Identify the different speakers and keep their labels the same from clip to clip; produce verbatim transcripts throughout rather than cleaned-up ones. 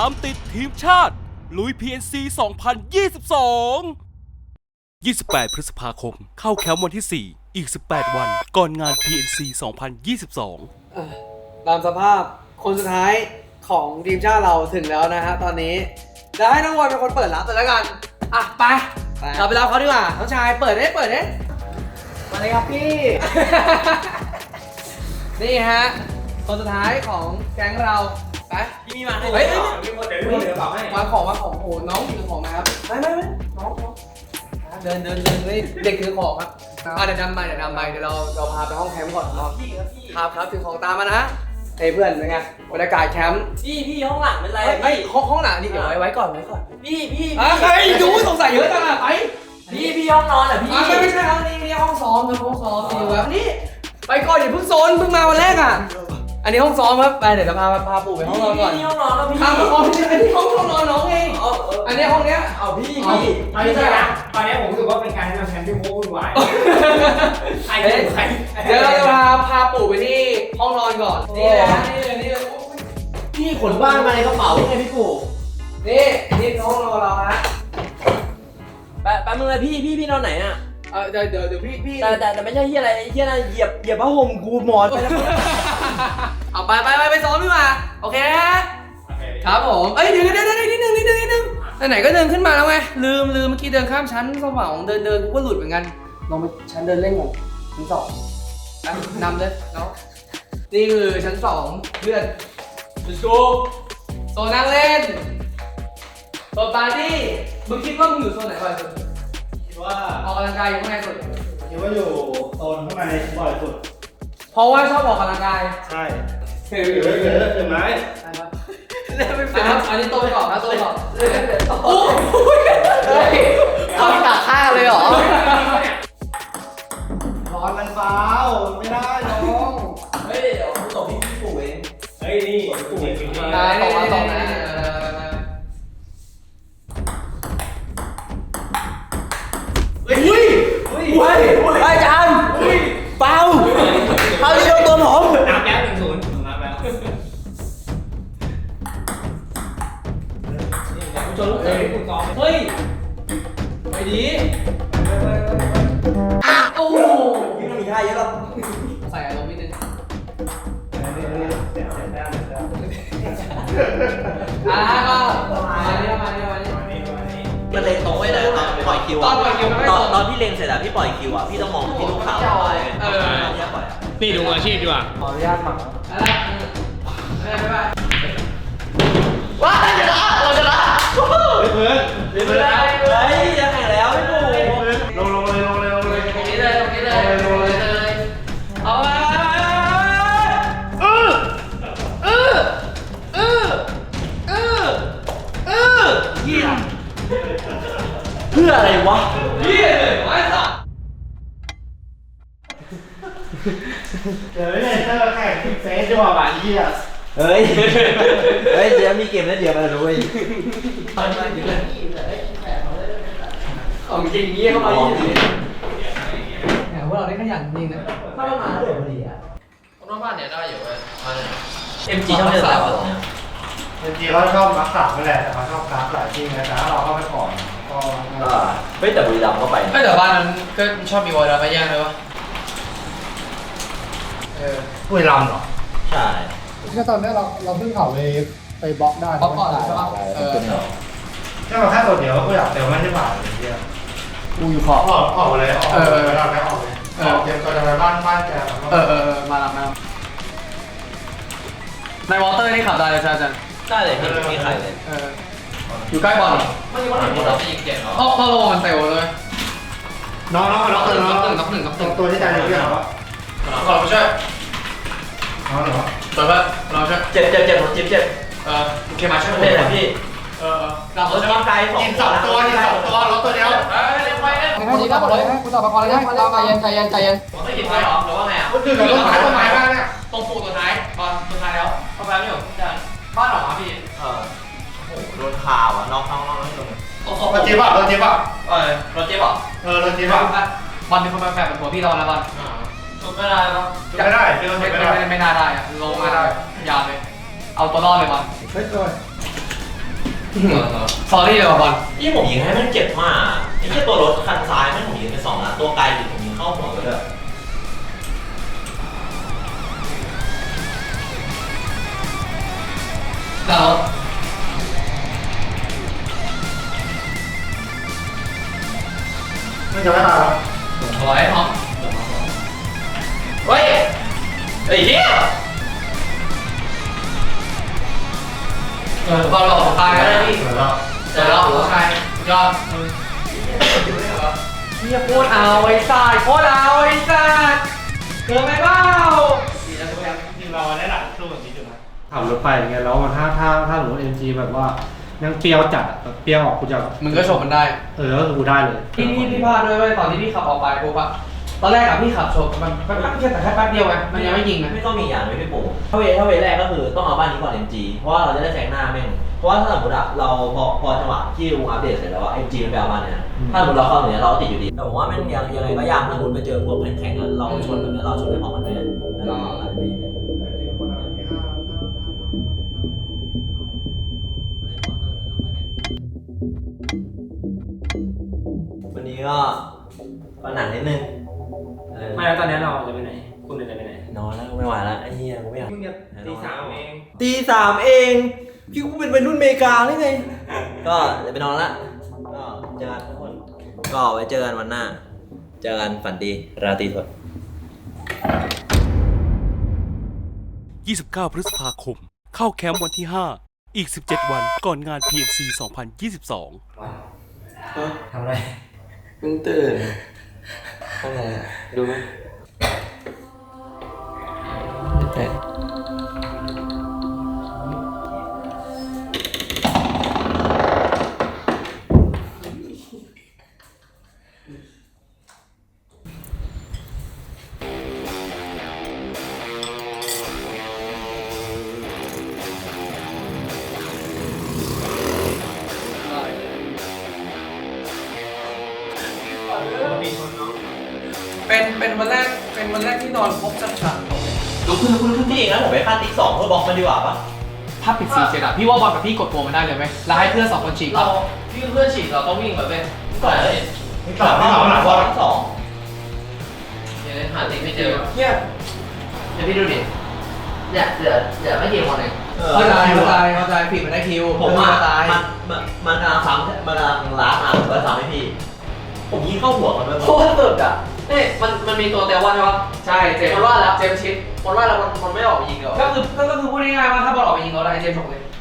Speaker 1: ามติดทีมชาติลุย พี เอ็น ซี สองพันยี่สิบสอง ยี่สิบแปด พฤษภาคมเข้าแคมป์วันที่ สี่ อีก สิบแปด วันก่อนงาน พี เอ็น ซี สองพันยี่สิบสอง
Speaker 2: ตามสภาพคนสุดท้ายของทีมชาติเราถึงแล้วนะฮะตอนนี้จะให้น้องวอยเป็นคนเปิดรับเลยแล้วกันอ่ะไปเราไปรับเขาดีกว่าน้องชายเปิดได้เปิดได้มาเลยครับพี่ นี่ฮะคนสุดท้ายของแก๊งเราไปพี่มีมาให้เฮ้ยมีคนเดี๋ยวมีคนเดี๋ยวบอกให้วางของวางของโอ้น้องถือของนะครับไม่ไม่ไม่น้องน้องเดินเดินเดินเลยเด็กถือของครับอ่ะเดี๋ยวนำไปเดี๋ยวนำไปเดี๋ยวเราเราพาไปห้องแคมป์ก่อนเนาะครับครับถือของตามมานะเฮ้ยเพื่อนเป็นไงบรรยากาศแคมป์
Speaker 3: พี่พี่ห้องหลังเป็นไร
Speaker 2: ไอ้ห้องห้องหลังนี่เดี๋ยวไว้ไว้ก่อนไว้ก่อน
Speaker 3: พี่พี่
Speaker 2: อ่ะใครดูสงสัยเยอะจังอ่ะไป
Speaker 3: พี่พี่ห้องนอนอ่ะพี่
Speaker 2: อ่ะไม่ไม่ใช่ห้องนี้นี่ห้องซ้อมครับห้องซ้อมนี่วะนี่ไปก่อนอย่าเพิ่งโซนเพิ่งมาวันแรกอ่ะอันนี้ห้องซ้อมครับไปเดี๋ยวจะพาพาปู่ไปห้องนอนก่อน
Speaker 3: พี่ห้องนอนแล้วพี่
Speaker 2: พาไปห้องนี้อันนี้ห้องนอนน้องเองอันนี้ห้องเนี้ย
Speaker 3: เอาพี่
Speaker 2: พี่
Speaker 3: พี่
Speaker 4: ไม่ใช่นะตอนนี้ผมรู้สึกว่าเป็นการทำแทนที่โม้วุ่นวายใครเป็นใคร
Speaker 2: เดี๋ยวเราจะพาพาปู่ไปที่ห้องนอนก่อนนี่เลยฮะนี่เลยนี่เลย
Speaker 3: พี่ขนบ้านมาในกระเป๋าไงพี่ปู่
Speaker 2: นี่นี่ห้องนอนเราฮะ
Speaker 3: แป๊บแป๊บนึงเลยพี่พี่พี่นอนไหนอ่ะ
Speaker 2: เออเดี๋ยวเดี๋ยวเดี๋ยวพี่พี่
Speaker 3: แต่แต่แต่ไม่ใช่ที่อะไรที่อะไรเหยียบเหยียบผ้าห่มกูหมอนไปแล้ว
Speaker 2: เอาไปไปไปไปซ้อมดีกว่าโอเคนะฮะครับผมเอ้ยเดี๋ยวเดี๋ยวเดี๋ยวนิดนึงนิดนึงนิดนึงไหนๆก็เดินขึ้นมาแล้วไงลืมลืมเมื่อกี้เดินข้ามชั้นสว่างเดินเดินกูก็หลุดเหมือนกันลองไปชั้นเดินเล่นก่อนชั้นสองนำเลยเนาะนี่คือชั้นสองเพื่อน let's go โซนนั่งเล่นโซนปาร์ตี้มึงคิดว่ามึงอยู่โซนไหนบ่อยสุด
Speaker 4: คิดว่า
Speaker 2: ออกกำลังกายอยู่ข้างในสุด
Speaker 4: คิดว่าอยู่โซนข้างในบ่อยสุด
Speaker 2: เพราะว่าชอบออกกำลังกาย
Speaker 4: ใช่
Speaker 2: เฮ้ย
Speaker 4: เยอะเยอะถึงไหม
Speaker 2: เล่นไม่เป็นอันนี้โตไปก่อนนะโตไปก่อนโอ้ยเฮ้ยเขาตัดข้างเลยเหรอ
Speaker 4: ร้อนมันเปล่าไม่ได้น้อง
Speaker 3: เฮ้ยเดี๋ยวตบพี่พี่ปู่เอง
Speaker 4: เฮ้ยนี่กูเห็นจริง
Speaker 2: นะตกมาตกนะเฮ้ยเฮ้ยเฮ้ยอาจารย์เปล่าเอาที่โดนตัวผม
Speaker 4: นับแล้วหนึ่งศูนย์นับแล้ว
Speaker 3: จนลูกเต๋อพี่ปู่ซ้อม
Speaker 2: เฮ้ยไปดีโอ้
Speaker 3: พี่ต้องมีท่าเยอะหรอ
Speaker 2: ใส่อารมณ์นิดนึงอ่าก็มาเนี่ยมาเนี่ยมาเนี่ย
Speaker 5: มันเล็งตรงไว้เลยตอนปล่อยคิว
Speaker 2: ตอ
Speaker 5: อะ
Speaker 2: นปล่อยคิวไม่
Speaker 5: ต
Speaker 2: ต
Speaker 5: อน
Speaker 2: รง
Speaker 5: ตอนพี่เล็งเสร็จอะพี่ปล่อยคิวอะพี่ต้องมองที่ลูกค้าไว้
Speaker 2: เออ
Speaker 5: เนี่ยปล่อยอะ
Speaker 4: นี่ดูอาชีพดีกว่า
Speaker 2: ขออนุญาตฝังอะไรไม่ไม่ไม่
Speaker 5: ว้าชนะเราชนะ
Speaker 4: เพื่อนเพื่อน
Speaker 5: เฮ้ยจะแข่งแล้วพี่ปู่
Speaker 4: ลงลงเลยลงเลยลงเลย
Speaker 2: ตรงนี้เลยตรงนี้เลยตรงนี้เลยเอาไป
Speaker 4: เออเออเออเออเออ
Speaker 5: เหี้ยเพื่ออะไรวะ
Speaker 2: เฮียเลยไอ้สัส
Speaker 4: เดี๋ยวเนี่ยถ้าแข่งเฟสจะบอกว่าเหี้ย
Speaker 5: เฮ้ยเฮ้ยเดี๋ยวมีเกมแล้วเดี๋ยวมาดูเว้ย
Speaker 2: ของจริงเงี้ยเข้ามายี่สิบแหมพวกเราได้ขยันจริงนะ
Speaker 5: ถ้ามันมาเดี๋ยวพอดีอะ
Speaker 2: คนนอกบ้านเนี่ยได้อยู่เว้ย
Speaker 5: เอ็มจีชอบเล่นอะไรวะเนี่ย
Speaker 4: จริงๆเขาชอบรักษาไม่แหละแต่เขาชอบกราฟหลายที่นะแต่ถ้าเราเข้าไปก่อนก็
Speaker 5: อ่าเฮ้ยแต่บุรีรัมย์ก็ไป
Speaker 2: ไม่แต่บ้านนั้นก็ชอบมีวอลล์มาแย่งเลยวะเออ
Speaker 4: ปุ้ยลำเหรอ
Speaker 5: ใช่
Speaker 6: ก็ตอนนี้เราเราเพิ่งเขาไปไปบล็อกได้
Speaker 2: บล็อกก่อนใช่ปะเออ
Speaker 4: แค่มาแค่ตัวเดียวก็อยากเต็มไม่ได้บ่ายเลยเดียว
Speaker 6: กูอยู่ขอบ
Speaker 4: ออกออกเลยออกเลยเราไม่ออกเลยออกเตรียมตัวจะไปบ้านบ้านแก
Speaker 2: เออเออมาแล้วมาแล้วในวอเตอร์นี่ขับได้เลยใช่ไหม
Speaker 5: ได้เลยพี่มีใครเลย
Speaker 2: เอออยู่ใกล้บอลเหรอ
Speaker 3: ไม่รู้ว่าหนูเราไปยิงเก่งเหรอ
Speaker 2: เพราะเพราะโลมันเตวเลย
Speaker 4: น้องน้องน้อง
Speaker 2: หนึ่ง
Speaker 4: น้อง
Speaker 2: หนึ่งกับหนึ่งกับหนึ่ง
Speaker 4: ตัวที่ใจเรื่องเหรอ
Speaker 2: ขอเราช่วย
Speaker 4: น้องเหรอ
Speaker 2: เปิดเปิดเราช่วย
Speaker 5: เจ็บเจ็บเจ็บผมเจ็บเจ็บ
Speaker 2: เออโอเคมาช่วย
Speaker 5: เล่นเลยพี่
Speaker 2: เออเรา
Speaker 5: รถ
Speaker 2: ช่วย
Speaker 5: ร่างกายสอง
Speaker 4: กินสองตัวกินสองตัวรถตัวเดียว
Speaker 2: เออเร็วไปเร็ว
Speaker 6: ให้ดีครับเลยให้กูตอบมาก่อนเลยให้ใจเย็นใจเย็นใจเย็น
Speaker 2: ไม่กินไฟหรอหรือว่าไงอ่ะ
Speaker 4: คนอื่นเราต้องขายต้นไม้บ้างเนี่ย
Speaker 2: ตรงปูตัวท้ายบอลตัวท้ายแล้วเข้าไปไม่หรออาจารย์บ้านหรอครับพี่
Speaker 5: เออโอ้โหโดนข่าวอ่ะน้องน้องน้องไม่โดน
Speaker 2: ตรง
Speaker 4: รถจี๊บอ่ะรถจี๊บอ่ะ
Speaker 2: เออรถเจ๊บอก
Speaker 4: เออรถจี๊บอ่ะ
Speaker 2: บอลมีคนมาแฝงเป็นหัวพี่เราแล้วบอลสุดไม่ได้แล้ว
Speaker 4: ไม่ได้เป็นรถ
Speaker 2: ไม่
Speaker 4: จี๊บ
Speaker 2: ไม่
Speaker 4: ไม่ได้
Speaker 2: ไม่ไม่น่าได้อะลงมาได้ยาวเลยเอาตัวรอดเลยบอล
Speaker 6: เฮ้ยเลย
Speaker 2: สอรี่เลยว่ะบอล
Speaker 5: ที่ผมยิงให้แม่งเจ็บมากไอ้เหี้ยตัวรถคันซ้ายแม่งผมยิงไปสองนัดตัวไกลยิงผมยิงเข้าหัวไปเลย
Speaker 2: เรา
Speaker 6: ไม่จะไม่ตายหรอ
Speaker 2: ถอยห้องเฮ้ยไอ้เหี้ยเออบอลหลอกตายแล้วพี่เดี๋ยวเราหัวใครยอดเฮียโคตรเอาไอ้สัตว์โคตรเอาไอ้สัตว์เกินไปเปล่า
Speaker 4: จริงเราได้หลังสู้แบบนี้อยู่นะขับรถไปอย่างเงี้ยแล้วมันถ้าถ้าถ้าสมมติเอ็มจีแบบว่ายังเปรี้ยวจัดอะแบบเปรี้ยวออกกูจะ
Speaker 2: มึงก็ชมมันได้
Speaker 4: เออก็คือกูได้เลย
Speaker 2: พี่พี่พี่พลาดด้วยเว้ยตอนที่พี่ขับออกไปปุ๊บอะตอนแรกอะพี่ขับชมมันแป๊บแป๊บแค่แต่แค่แป๊บเดียวไงมันยังไม่ยิงนะ
Speaker 5: ไม่ต้องมีอย่างไม่พี่ปู่ถ้าเวถ้าเวแรกก็คือต้องเอาบ้านนี้ก่อน เอ็ม จี เพราะว่าเราจะได้แซงหน้าแม่งเพราะว่าถ้าสมมติอะเราพอพอจังหวะที่ลุงอัปเดตเสร็จแล้วอะ เอ็ม จี มันไปเอาบ้านเนี่ยถ้าสมมติเราเข้าตรงเนี้ยเราก็ติดอยู่ดีแต่ผมว่าแม่งยังยังไงก็ยากถ้าสมมติไปเจอพวกแข็งๆอะเราชนแบบนี้เราชนไม่พร้อมกันเลยแล้วเราอะไรไปอย่างเงี้ยวันนี้ก็ปัญหานิดนึง
Speaker 3: ไม่แล้วตอนนี้เราจะไปไหนคุณจะไปไหน
Speaker 5: นอนแล้วไม่ไหวแล้วไอ้เหี้ยกูไม่อยาก
Speaker 3: มึงจะตีสามเอง
Speaker 5: ตีสามเองพี่กูเป็นวัยรุ่นอเมริกาหรือไงก็เดี๋ยวไปนอนละก็เจอกันทุกคนก็ไว้เจอกันวันหน้า เจอกันฝันดีราตรีสวัสดิ์
Speaker 1: ยี่สิบเก้า พฤษภาคม เข้าแคมป์วันที่ ห้า อีก สิบเจ็ด วันก่อนงาน พี เอ็น ซี สองพันยี่สิบสอง
Speaker 3: ทำอะไร
Speaker 2: เพิ่งตื่นอะไรดูไหม เป็นเป็นวันแรกเป็นวันแรกที่นอนครบสักฉาก
Speaker 5: ลุกขึ้นลุกขึ้นลุกขึ้นพี่เองนะผมไปฆ่าติ๊กสองเพื่อบล็อกมันดีกว่าปะ
Speaker 2: ถ้าปิดสีเจ็ดอะพี่ว่าบอลกับพี่กดตัวมันได้เลยไหมแล้วให้เพื่อนสองคนฉีกเราพี่เพื่อนฉีกเราต้องวิ่งแบบเป็น
Speaker 5: ก่อนเลยสามสองหลังบอลทั้งสอง
Speaker 2: เดี๋ยวหาติ๊กไม่เจอเฮียเดี๋ยวพี่ดูดิเนี่ยเดี๋ยวเดี๋ยวไม่กี่คนเองเข้าใจเข้าใจเข้าใจผิดมันได้คิว
Speaker 5: ผมว่า
Speaker 2: ตาย
Speaker 5: มันมันมันกำลังซ้ำมันกำลังล้างอ่ะผมก็ซ้ำให้พี่ ผมยิงเข้าหัวมันด้วย
Speaker 2: โคตรสุดอ่ะนี่มันมันมีตัวเตลว่าใช่ปะใช่เจมส์ว่าแล้วเจมส์ชิดมันว่าแล้วมันมันไม่ออกไปยิงเหรอก็คือก็คือพูดง่ายๆว่าถ้าบอลออกไปยิงเราได้เจมส์ฉกเลย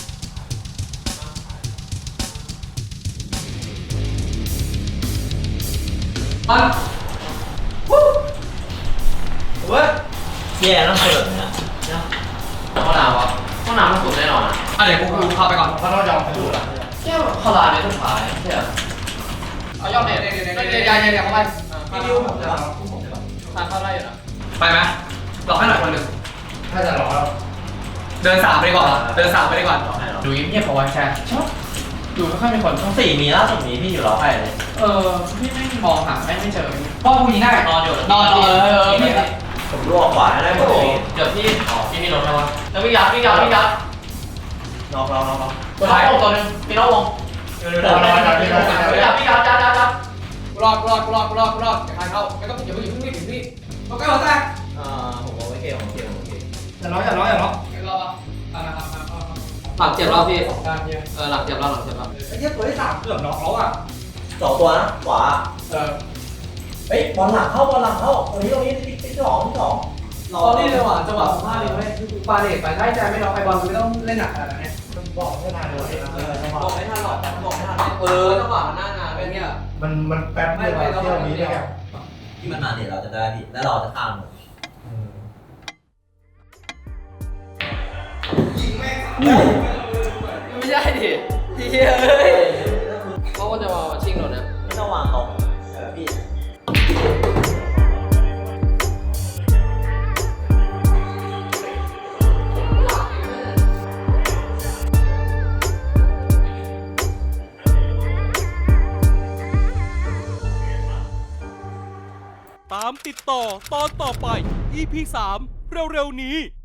Speaker 2: มันวู้เว้ย
Speaker 5: แย่ต้องเปิดเนี่ย
Speaker 2: ห้องน้ำวะห้องน้ำมันสุดแน่นอนอ่ะอ่ะเดี๋ยวกูกูพาไปก่อนเพราะเรายอมไปดูละเจ้าเข้าร้านในสุดท้ายใช่ไหมเอายอมเนี่ยเนี่ยเนี่ยเนี่ยเนี่ยเนี่ยเข้าไปพี่ดิวผมจะทานเข้าได้อยู่นะไปไหมหลอกให้หน่อยคนหนึ่ง
Speaker 6: ถ้าจะรอแล้ว
Speaker 2: เดินสามไปก่อนเดินสามไปก่อนดูเงียบๆเอาไว้แชร์ชอบดูไม่ค่อยมีคน
Speaker 5: ต้องสี่มีล่าสุดมีพี่อยู่รอใครเลย
Speaker 2: เออพี่ไม่มองหาไม่ไม่เจอพ่อผู้หญิงได้นอนอยู่นอนเออเออพี่
Speaker 5: ผมรวขวาได้หมดเลย
Speaker 2: เดี๋ยวพี่พี่มีรถใช่ปะแล้วพี่ยัดพี่ยัดพี่ยัด
Speaker 5: นอกเรานอกเรา
Speaker 2: ตัวท้ายลงตัวนึงพี่น้องลงพี่ยัดพี่ยัดยัดยัดยัดรอดรอดรอดรอดรอดอย่าใครเข้าไม่ต้องอย่าเพิ่งอย่าเพิ่งรีบอย่าเพิ่งรีบมาใกล้หัวแตก
Speaker 5: อ่าผมโอเคผมโอเคผมโอเค
Speaker 6: อย่าร้องอย่าร้องอย่าร้อง
Speaker 2: รอปะหลังเจ็บแล้วพี่เออหลังเจ็บแล้วหลังเจ็บแล้ว
Speaker 6: ไอ้เหี้ยตัวที่สามเกือบน็อกแล้วอ่ะ
Speaker 5: สองตัวนะขวา
Speaker 6: เออ
Speaker 5: เฮ้ยบอลหลังเข้าบอลหลังเข้าตรงนี้ตรงนี้ติ๊กติ๊กสองติ๊กสอง
Speaker 2: รอนี่เลยว่ะจังหวะของพลาดเลยไม่ปาเดทไปได้ใจไม่น้องไอบอลไม่ต้องเล่นหนักขนาดนี้
Speaker 6: บอกไม่ทันเลย
Speaker 5: เออจังหวะ
Speaker 2: บอกไม่ทันหรอกบอกไม่ทันเออจังหวะมันหน้างานเป็นเงี้ย
Speaker 6: มันมันแป๊บเดียวเที่ยวนี้ได้แค่
Speaker 5: ที่มันมาเนี่ยเราจะได้พี่แล้วเราจะข้ามมัน
Speaker 2: ไม่ใช่ดิเฮ้ยเอ้ยเขาก็จะมาชิงหนูนะ
Speaker 5: ไม่ต้องวางตรงเออพี่
Speaker 1: ตามติดต่อตอนต่อไป อี พี สาม เร็วๆนี้